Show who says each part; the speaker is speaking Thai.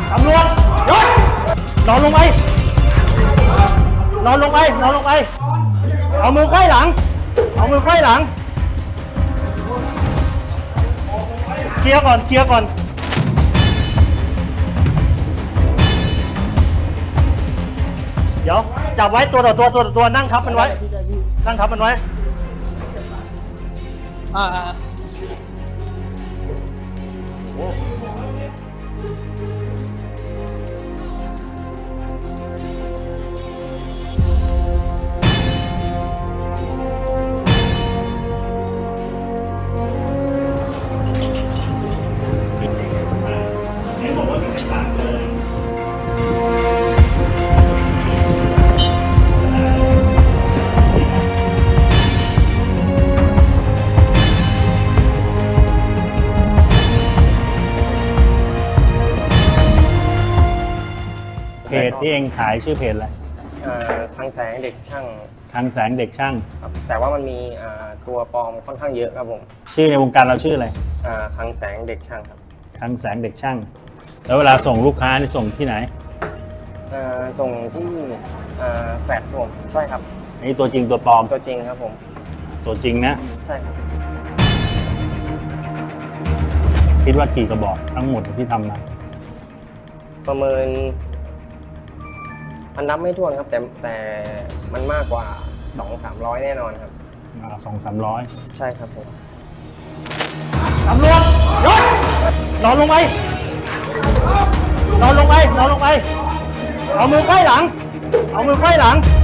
Speaker 1: ตำรวจยศนอนลงไปนอนลงไปนอนลงไปเอามือไขว้หลังเอามือไขว้หลังเคลียร์ก่อนเคลียร์ก่อนเดี๋ยวจับไว้ตัวต่อตัวนั่งทับมันไว้นั่งทับมันไว้เพจที่เองขายชื่อเพจอะไร
Speaker 2: ทางแสงเด็กช่าง
Speaker 1: ทางแสงเด็กช่าง
Speaker 2: ครับแต่ว่ามันมีตัวปลอมค่อนข้างเยอะครับผม
Speaker 1: ชื่อในวงการเราชื่ออะไร
Speaker 2: ทางแสงเด็กช่างครับ
Speaker 1: ทางแสงเด็กช่างแล้วเวลาส่งลูกค้านี่ส่งที่ไหน
Speaker 2: ส่งที่แฟลตผมใช่ครับ
Speaker 1: นี่ตัวจริงตัวปลอม
Speaker 2: ตัวจริงครับผม
Speaker 1: ตัวจริงนะ
Speaker 2: ใช่ครับ
Speaker 1: คิดว่ากี่กระบอกทั้งหมดที่ทำมา
Speaker 2: ประเมินมันนับไม่ถ้วนครับแต่มันมากกว่า 200-300 แน่นอนครับ
Speaker 1: 200-300
Speaker 2: ใช่ครับผม
Speaker 1: ตำรวจยศนอนลงไปนอนลงไปนอนลงไปเอามือไขว้หลังเอามือไขว้หลัง